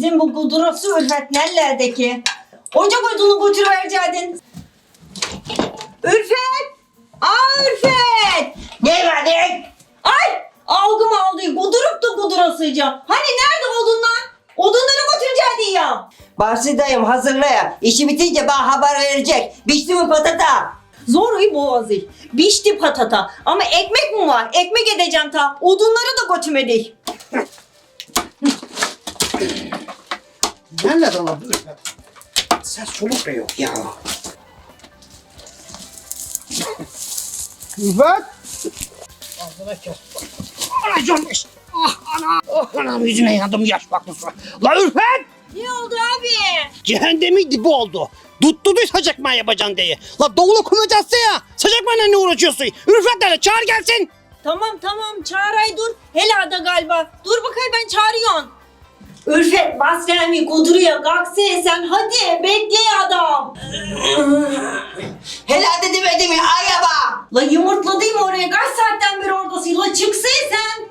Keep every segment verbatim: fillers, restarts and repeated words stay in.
Bizim bu kudurası Ülfet nerelerdeki? Ocak odunu götürüverecektin. Ülfet! Aa Ülfet! Ne var ne? Ay! Algım aldı. Kudurup da kudurasıca. Hani nerede odunlar? Odunları götürecektin ya. Bahsedeyim hazırla ya. İşi bitince bana haber verecek. Biçti mi patata? Zor iyi boğazı. Bişti patata. Ama ekmek mi var? Ekmek edeceğim ta. Odunları da götürmedik. Nerede lan bu Ülfet? Ses soluk da yok ya. Ülfet! Ağzına kes. Ana canmış. Ah ana. Oh anam yüzüne yandım yaş baklısı. La Ülfet! Ne oldu abi? Cehennemin dibi oldu. Tuttu düz sacakma yapacaksın diye. La doğulu kumacası ya. Sacakmayla ne uğraşıyorsun? Ülfet nerede? Çağır gelsin. Tamam tamam çağıray dur. Helada galiba. Dur bakayım ben çağırıyorum. Ülfet bas gelmi kuduruya kalksana sen hadi bekle adam. Helal demedim ya ayaba. La yumurtladın mı oraya kaç saatten beri oradasın la çıksana sen.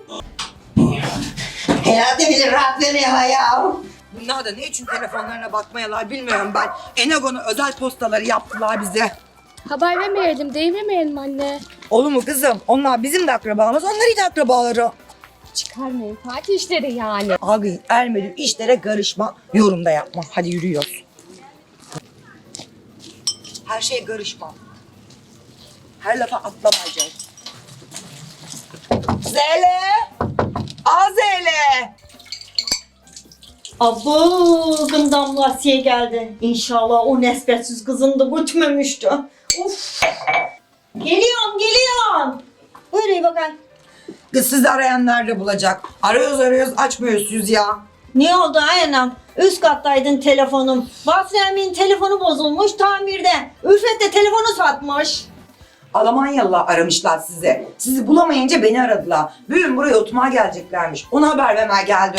Helal bilir rahat veriyor ya. Bunlar da ne için telefonlarına bakmayalar bilmiyorum ben. Enagon'u özel postaları yaptılar bize. Haber vermeyelim, devirmeyelim anne. Olur mu kızım? Onlar bizim de akrabamız, onların da akrabaları. Çıkarmayın, parti işleri yani. Abi ermedi işlere karışma, yorum da yapma. Hadi yürüyoruz. Her şeye karışma. Her lafa atlamayacağız. Zele! Aa Zele! Abo gından Lasiye geldi. İnşallah o nesbetsiz kızını da götürmemişti. Uf. Geliyorum geliyorum. Buyurun bakayım. Kız sizi arayan nerede bulacak? Arıyoruz arıyoruz açmıyorsunuz ya. Ne oldu ayağım? Üst kattaydın telefonum. Basri'nin telefonu bozulmuş tamirde. Ülfet de telefonu satmış. Almanyalılar aramışlar sizi. Sizi bulamayınca beni aradılar. Bugün buraya oturmaya geleceklermiş. Ona haber vermeye geldik.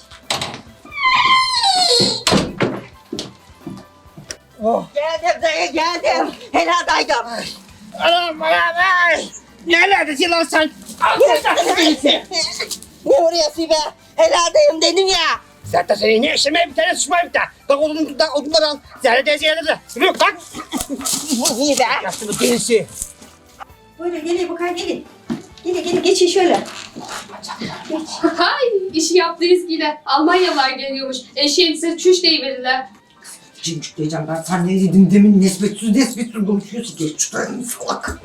Oh. Geldim dayı geldim. Helal daydım. Anam anam ay. Neredesin lan sen? Ağzına değilsin. Ne vuruyorsun be? Helal dayım dedim ya. Zaten senin ne işin var bir tane sıçmayıp da. Bak odun, da, odunları al. Zerre teyze yerlerde. Yok bak. İyi be. Yaşlı değilsin. Buyurun gelin bakayım gelin. Gelin gelin geçin şöyle. Hay, işi yaptınız yine. Almanyalılar geliyormuş. Eşeğin size çüş deyiverirler. Cimcik diyeceğim ben. Sen ne dedin demin nesbetsiz nesbetsiz konuşuyorsun. Geç şuradan salak.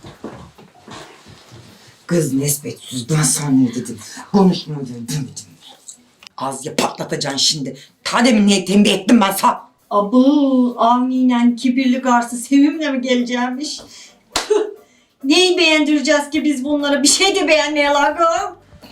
Kız nesbetsiz ben sana ne dedim. Konuşma dedim. Az ya patlatacaksın şimdi. Ta demin niye tembih ettim ben sana. Abu avniyle kibirli garsı sevimle mi geleceğimiş? Neyi beğendireceğiz ki biz bunlara? Bir şey de beğenmeyeler galiba.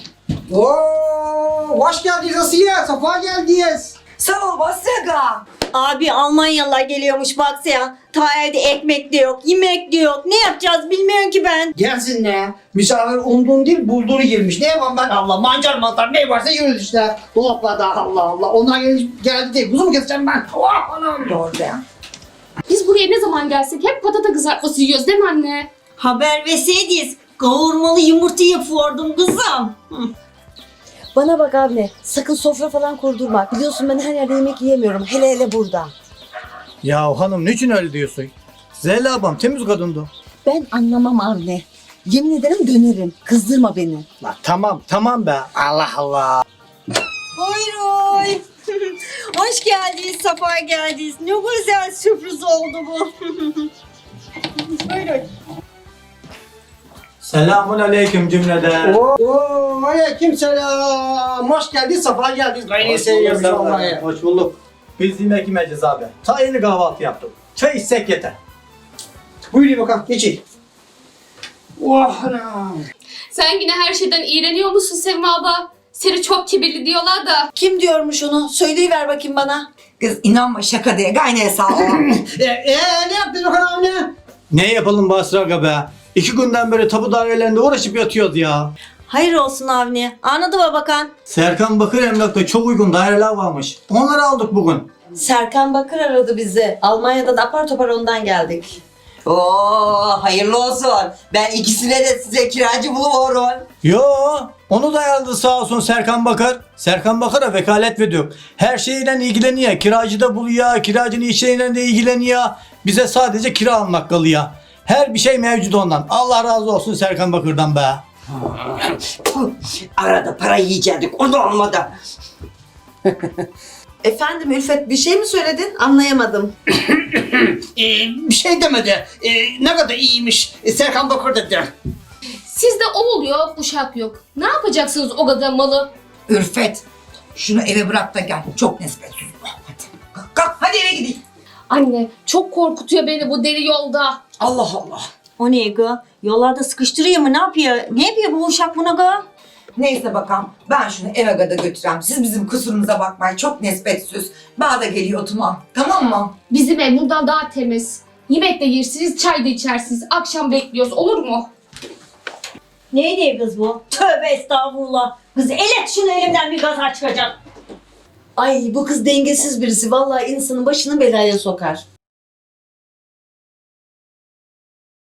Oo, hoş geldiniz Asiye. Safa geldiniz. Sağ ol Basyaga. Abi Almanyalılar geliyormuş baksana. Ta evde ekmek de yok, yemek de yok. Ne yapacağız bilmiyorum ki ben. Gelsin ne? Misafir umduğunu değil bulduğunu girmiş. Ne yapayım ben Allah? Mancar mantar ne varsa yiyoruz işte. Dolaplarda Allah Allah. Onlar geldi, geldi değil. Kuzu mu keseceğim ben? Oh anam. Doğru ya. Biz buraya ne zaman gelsek hep patata kızartması yiyoruz değil mi anne? Haber verseydiniz kavurmalı yumurta yapıyordum kızım. Hı. Bana bak abla, sakın sofra falan kurdurma. Biliyorsun ben her yerde yemek yiyemiyorum, hele hele burada. Ya hanım niçin öyle diyorsun? Zeyla abam temiz kadındı. Ben anlamam anne. Yemin ederim dönerim. Kızdırma beni. La tamam tamam be. Allah Allah. Buyurun. Hoş geldiniz, safa geldiniz. Ne güzel sürpriz oldu bu. Buyurun. Selamun aleyküm cümleden. Oo, aleyküm selam. Hoş geldin, safa geldin. Gayri seviyoruz vallahi. Hoş bulduk. Biz yemek yemeyeceğiz abi. Ta yeni kahvaltı yaptık. Çay içsek yeter. Buyurun bakalım, geçin. Oh anam. Sen yine her şeyden iğreniyor musun Sevma abla? Seni çok kibirli diyorlar da. Kim diyormuş onu? Söyleyiver bakayım bana. Kız inanma şaka diye gayneye sağ ol. e, e, ne yaptın bakalım ne? Ne yapalım Basra aga be? İki günden beri tapu dairelerinde uğraşıp yatıyoruz ya. Hayır olsun Avni. Anladı mı bakan? Serkan Bakır Emlak'ta çok uygun daireler varmış. Onları aldık bugün. Serkan Bakır aradı bizi. Almanya'dan apar topar ondan geldik. Oo, hayırlı olsun. Ben ikisine de size kiracı buluyorum. Yo, onu da ayarladı sağ olsun Serkan Bakır. Serkan Bakır'a vekalet veriyor. Her şeyle ilgileniyor. Kiracı da buluyor, kiracının işleriyle de ilgileniyor. Bize sadece kira almak kalıyor. Her bir şey mevcut ondan. Allah razı olsun Serkan Bakır'dan be. Puh, arada para yiyecektik, o da olmadı. Efendim Ülfet bir şey mi söyledin? Anlayamadım. Ee, bir şey demedi. Ee, ne kadar iyiymiş. Ee, Serkan Bakır dedi. Sizde o oluyor, uşak yok. Ne yapacaksınız o kadar malı? Ürfet, şunu eve bırak da gel. Çok nispetsiz bu. Hadi. Kalk, kalk, hadi eve gidelim. Anne çok korkutuyor beni bu deli yolda. Allah Allah. O ne gı? Yollarda sıkıştırıyor mu? Ne yapıyor? Ne yapıyor bu uşak buna gı? Neyse bakalım, ben şunu eve gada götüreyim. Siz bizim kusurumuza bakmayın, çok nispetsiz. Bana da geliyor oturma, tamam mı? Bizim ev buradan daha temiz. Yemek de yersiniz, çay da içersiniz. Akşam bekliyoruz, olur mu? Neydi kız bu? Tövbe estağfurullah. Kız el et şunu elimden, bir gaza çıkacak. Ay bu kız dengesiz birisi. Vallahi insanın başını belaya sokar.